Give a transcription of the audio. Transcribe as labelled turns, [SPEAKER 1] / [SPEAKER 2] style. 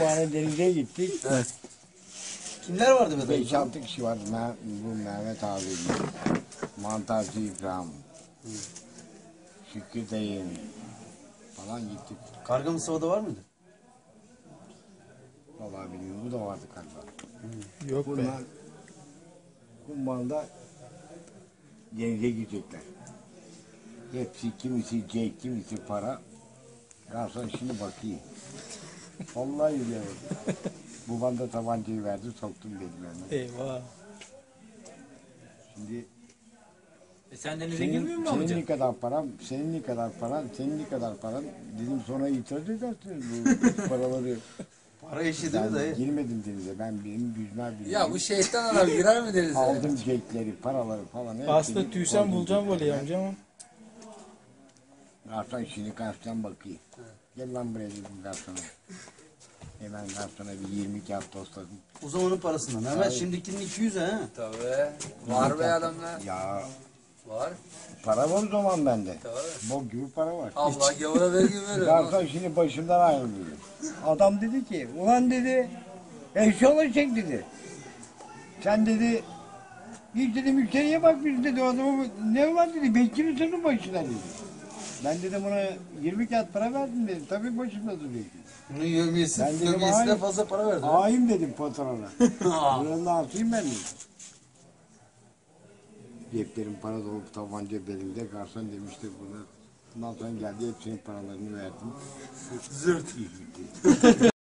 [SPEAKER 1] Kumbağa'na denize gittik.
[SPEAKER 2] Evet.
[SPEAKER 3] Kimler vardı be dayı?
[SPEAKER 1] 5-6 kişi vardı. Bu Mehmet abi, Mantarcı İbrahim, Şükrü dayı falan gittik.
[SPEAKER 3] Karga Mustafa'da var mıydı?
[SPEAKER 1] Vallahi bilmiyorum, bu da vardı galiba.
[SPEAKER 2] Yok be.
[SPEAKER 1] Bunlar Kumbağa'da denize gidecekler. Hepsi, kimisi cek, kimisi para. Ya sen şimdi bakayım. Vallahi biliyorum. Babam da tabancayı verdi, soktum benim.
[SPEAKER 2] Eyvah.
[SPEAKER 1] Şimdi
[SPEAKER 4] Sen denize girmiyor musun
[SPEAKER 1] senin
[SPEAKER 4] amca?
[SPEAKER 1] ne kadar param, senin ne kadar paran, senin ne kadar paran, dedim sonra itiraz edersiniz bu paraları.
[SPEAKER 3] Para eşi değil mi
[SPEAKER 1] Ben
[SPEAKER 3] dayı?
[SPEAKER 1] girmedim denize, benim yüzme biliyorum.
[SPEAKER 4] Ya bu şeytan adam girer mi denize?
[SPEAKER 1] Aldım cekleri, paraları falan.
[SPEAKER 2] Aslında tüysen bulacağım böyle amca ama.
[SPEAKER 1] Garson şimdi karşıdan bakayım. Gel lan buraya dedim garsona. Hemen garsona bir 20 kağıt tosladım.
[SPEAKER 3] O zamanın parasından. Mehmet şimdikinin 200 ha.
[SPEAKER 4] Tabii. Var be adamlar.
[SPEAKER 1] Ya
[SPEAKER 4] Var.
[SPEAKER 1] para var o zaman bende.
[SPEAKER 4] Tabii.
[SPEAKER 1] Bok gibi para var.
[SPEAKER 4] Allah gavura vergi veriyor.
[SPEAKER 1] Garson şimdi başımdan ayrılıyor. Adam dedi ki, ulan dedi, eşya olacak dedi. Sen dedi, hiç dedi müşteriye bakmış dedi, o adamı ne var dedi, bekçi mi senin başına dedi. Ben dedim ona 20 kağıt para verdim dedim, tabii başımda duruyor.
[SPEAKER 3] Bunun yövmiyesi,
[SPEAKER 1] Ben dedim,
[SPEAKER 3] yövmiyesine
[SPEAKER 1] hayır.
[SPEAKER 3] fazla para verdi.
[SPEAKER 1] Ağayım dedim patrona. Buranın altıyım ben dedim. Ceplerim para dolu, tabanca belimde, garson demişti bunu. Ondan sonra geldi, hepsinin paralarını verdim.
[SPEAKER 3] Zırt.
[SPEAKER 1] İyi gitti.